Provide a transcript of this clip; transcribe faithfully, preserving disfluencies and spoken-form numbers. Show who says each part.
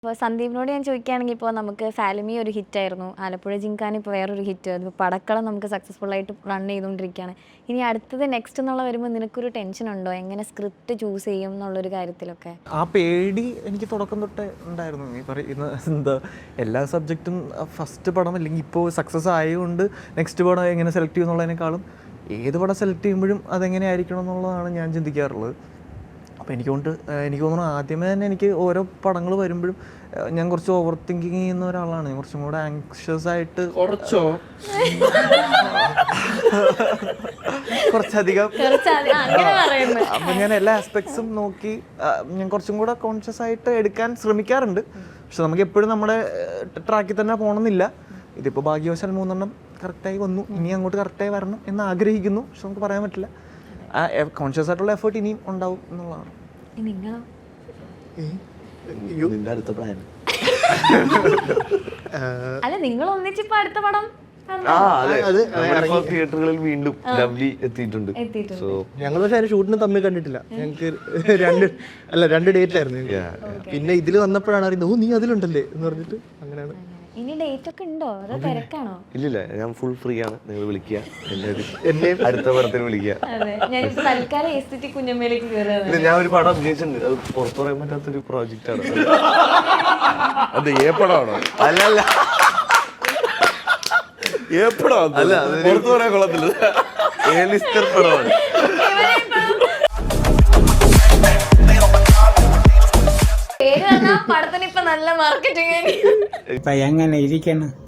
Speaker 1: ഇപ്പോൾ സന്ദീപിനോട് ഞാൻ ചോദിക്കുകയാണെങ്കിൽ ഇപ്പോൾ നമുക്ക് ഫാലിമി ഒരു ഹിറ്റായിരുന്നു, ആലപ്പുഴ ജിങ്കാന ഇപ്പോൾ വേറൊരു ഹിറ്റ്, ഇപ്പോൾ പടക്കളം നമുക്ക് സക്സസ്ഫുൾ ആയിട്ട് റൺ ചെയ്തുകൊണ്ടിരിക്കുകയാണ്. ഇനി അടുത്തത് നെക്സ്റ്റ് എന്നുള്ള വരുമ്പോൾ നിനക്കൊരു ടെൻഷൻ ഉണ്ടോ, എങ്ങനെ സ്ക്രിപ്റ്റ് ചൂസ് ചെയ്യും എന്നുള്ളൊരു കാര്യത്തിലൊക്കെ?
Speaker 2: ആ പേടി എനിക്ക് തുടക്കം തൊട്ടേ ഉണ്ടായിരുന്നു. ഈ പറയുന്ന എന്താ എല്ലാ സബ്ജക്റ്റും ഫസ്റ്റ് പടം അല്ലെങ്കിൽ ഇപ്പോൾ സക്സസ് ആയതുകൊണ്ട് നെക്സ്റ്റ് പടം എങ്ങനെ സെലക്ട് ചെയ്യും എന്നുള്ളതിനേക്കാളും ഏത് പടം സെലക്ട് ചെയ്യുമ്പോഴും അതെങ്ങനെ ആയിരിക്കണം എന്നുള്ളതാണ് ഞാൻ ചിന്തിക്കാറുള്ളത്. അപ്പോൾ എനിക്ക് കൊണ്ട് എനിക്ക് തോന്നുന്നു ആദ്യമേ തന്നെ എനിക്ക് ഓരോ പടങ്ങൾ വരുമ്പോഴും ഞാൻ കുറച്ച് ഓവർ തിങ്കിങ് ചെയ്യുന്ന ഒരാളാണ്. കുറച്ചും കൂടെ ആങ്ഷ്യസ് ആയിട്ട്
Speaker 3: കുറച്ചോ
Speaker 2: കുറച്ചധികം അപ്പം ഞാൻ എല്ലാ ആസ്പെക്ട്സും നോക്കി ഞാൻ കുറച്ചും കൂടെ കോൺഷ്യസ് ആയിട്ട് എടുക്കാൻ ശ്രമിക്കാറുണ്ട്. പക്ഷെ നമുക്ക് എപ്പോഴും നമ്മുടെ ട്രാക്കിൽ തന്നെ പോകണമെന്നില്ല. ഇതിപ്പോൾ ഭാഗ്യവശാൽ മൂന്നെണ്ണം കറക്റ്റായി വന്നു, ഇനി അങ്ങോട്ട് കറക്റ്റായി വരണം എന്ന് ആഗ്രഹിക്കുന്നു. പക്ഷെ നമുക്ക് പറയാൻ പറ്റില്ല. ആ കോൺഷ്യസ് ആയിട്ടുള്ള എഫേർട്ട് ഇനിയും ഉണ്ടാവും എന്നുള്ളതാണ്.
Speaker 1: അല്ല, നിങ്ങൾ ഒന്നിച്ചിപ്പോ അടുത്ത പടം
Speaker 3: തിയേറ്ററുകളിൽ വീണ്ടും ലവ്ലി എത്തിയിട്ടുണ്ട്.
Speaker 4: ഞങ്ങൾ പക്ഷെ അതിന് ഷൂട്ടിന് തമ്മിൽ കണ്ടിട്ടില്ല. ഞങ്ങൾക്ക് രണ്ട് അല്ല രണ്ട് ഡേറ്റ് ആയിരുന്നു. പിന്നെ ഇതിൽ വന്നപ്പോഴാണ് അറിയുന്നത്, ഓ നീ അതിലുണ്ടല്ലേ എന്ന് പറഞ്ഞിട്ട് അങ്ങനെയാണ്.
Speaker 1: ഇനി ഡേറ്റ് ഒക്കെ ഉണ്ടോ, അതോ തിരക്കാണോ?
Speaker 3: ഇല്ലില്ല, ഞാൻ ഫുൾ ഫ്രീ ആണ്. നിങ്ങൾ വിളിക്കുക, എന്നെ അടുത്ത പടത്തിന് വിളിക്കുക. ഞാൻ ഒരു പടം അഭിനയിച്ചിട്ടുണ്ട്, അത് പുറത്തു പറയാൻ പറ്റാത്തൊരു പ്രോജക്റ്റ് ആണ്.
Speaker 5: അത് ഏ പടമാണോ?
Speaker 3: അല്ലല്ല,
Speaker 5: ഏ പടം
Speaker 3: അല്ല,
Speaker 5: പുറത്തു പറയാൻ കൊള്ളത്തില്ല.
Speaker 3: എ ലിസ്റ്റർ പടമാണ്.
Speaker 1: പടത്തിന് ഇപ്പൊ നല്ല മാർക്കറ്റിംഗ്.
Speaker 6: ഇപ്പൊ എങ്ങനെ ഇരിക്കണം?